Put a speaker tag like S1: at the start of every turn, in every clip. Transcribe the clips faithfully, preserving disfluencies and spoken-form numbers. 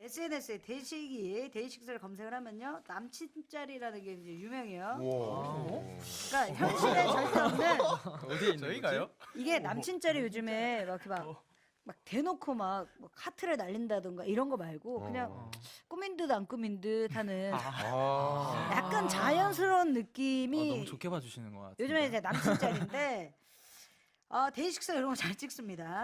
S1: 에스엔에스에 데이식이 데이식스를 검색을 하면요 남친 짤이라는 게 이제 유명해요. 그러니까 현실에 절대 없는
S2: 어디에 있는
S3: 저희가요?
S1: 이게 남친 짤이 요즘에 막 이렇게 막, 막 대놓고 막, 막 하트를 날린다던가 이런 거 말고 그냥
S4: 어.
S1: 꾸민 듯 안 꾸민 듯 하는
S4: 아.
S1: 약간 자연스러운
S2: 아,
S1: 느낌이
S2: 너무 좋게 봐주시는 것 같아요.
S1: 요즘에 이제 남친 짤인데 어, 데이식스 이런 거 잘 찍습니다.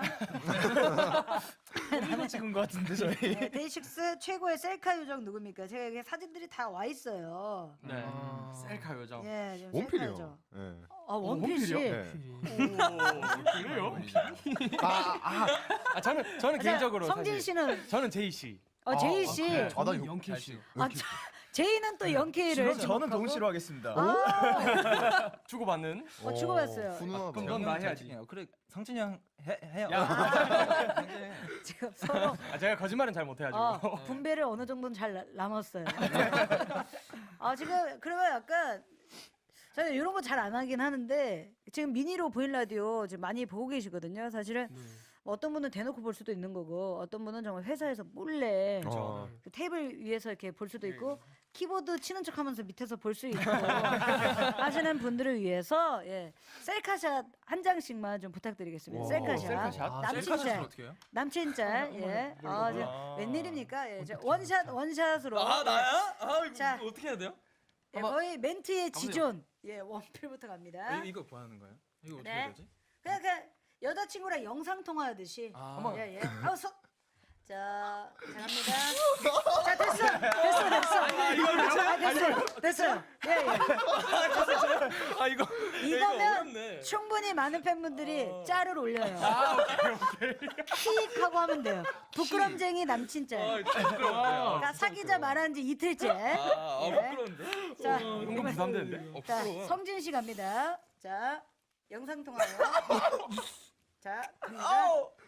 S3: 이거 찍은 것 같은데 저희.
S1: 네, 데이식스 최고의 셀카 요정 누굽니까? 제가 여기 사진들이 다 와 있어요.
S3: 네. 셀카 요정.
S1: 예, 좀 셀카
S4: 원필이요.
S1: 요정.
S4: 네.
S1: 아, 원필씨.
S3: 원필이요?
S4: 네.
S3: 그래요?
S4: 아, 아,
S3: 아 저는 저는 개인적으로
S1: 성진
S3: 사실
S1: 씨는
S3: 저는 제이 씨.
S1: 어, 제이 씨.
S4: 아, 나
S3: 영케이 씨.
S1: 아, 저, 제이는 또 영케이를
S3: 그럼 저는 동시로 하겠습니다.
S1: 아,
S3: 주고받는.
S1: 어, 주고받았어요.
S4: 훈훈하다.
S3: 그럼 넌 나 해야지.
S2: 해요. 그래 성진이 형 해, 해요.
S1: 지금 서로
S3: 아 제가 거짓말은 잘 못해가지고.
S1: 어, 분배를 어느 정도는 잘 나- 남았어요. 아, 지금 그러면 약간 저는 이런 거 잘 안 하긴 하는데 지금 미니로 보인 라디오 지금 많이 보고 계시거든요. 사실은 뭐 어떤 분은 대놓고 볼 수도 있는 거고 어떤 분은 정말 회사에서 몰래
S4: 어.
S1: 그 테이블 위에서 이렇게 볼 수도 있고 키보드 치는 척하면서 밑에서 볼 수 있고 하시는 분들을 위해서 예 셀카샷 한 장씩만 좀 부탁드리겠습니다. 셀카샷.
S3: 셀카샷?
S2: 아,
S1: 남친
S2: 셀카샷을
S1: 짤.
S2: 어떻게 해요?
S1: 남친 짤. 예. 아, 이제 웬일입니까? 예. 이제 원샷 원샷으로.
S2: 아 나야? 아 이거
S1: 자.
S2: 어떻게 해야 돼요?
S1: 예, 거의 멘트의 지존. 예, 원필부터 갑니다.
S2: 아, 이거 뭐 하는 거예요? 이거 어떻게
S1: 네.
S2: 해야 되지?
S1: 그냥 그냥 여자친구랑 영상 통화하듯이.
S2: 아.
S1: 예, 예. 아우 서. 자, 자 갑니다. 자, 됐어. 됐어, 됐어. 아, 됐어요. 됐어요. 예, 예.
S2: 아 이거
S1: 이거면 충분히 많은 팬분들이 짤을 올려요. 킥 하고 하면 돼요. 부끄럼쟁이 남친 짤. 그러니까 사귀자 말한 지 이틀째.
S2: 아,
S1: 예.
S2: 부끄러운데?
S1: 자,
S3: 은근 부담되는데?
S1: 자, 성진 씨 갑니다. 자, 영상 통화요. 자, 갑니다.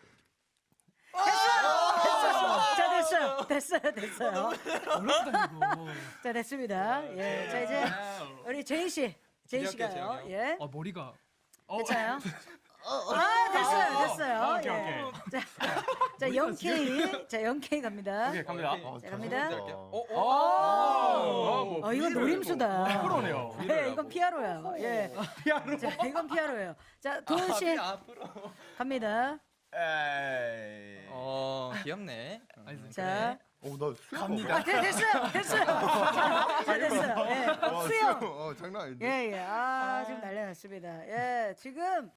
S1: 됐어요. 자, 됐어요. 됐어요. 됐어요. 자, 됐습니다. 예. 자, 이제 우리 제이 씨. 제이
S2: 기대할게요,
S1: 씨가요.
S2: 제이
S1: 예.
S3: 아 머리가.
S1: 괜찮아요? 아, 됐어요. 됐어요.
S3: 오케이,
S1: 예.
S3: 오케이.
S1: 자, 자, 영케이. 자, 영케이 갑니다.
S3: 오케이 갑니다.
S2: 어,
S1: 자, 갑니다.
S2: 어, 어,
S3: 어,
S1: 어, 이건 노림수다.
S3: 프로네요.
S1: 네, 이건 피아로예요. 예.
S3: 피아노.
S1: 자, 이건 피아로예요. 자, 도훈 씨
S2: 앞으로.
S1: 갑니다.
S3: 에이.
S2: 어 귀엽네.
S1: 자,
S4: 어, 나 수영.
S3: 갑니다.
S1: 아, 네, 됐어요. 됐어요. 자, 자, 됐어요. 예.
S4: 와,
S1: 수영.
S4: 어, 장난 아닌데.
S1: 예, 예. 아, 지금 난리 났습니다. 예, 지금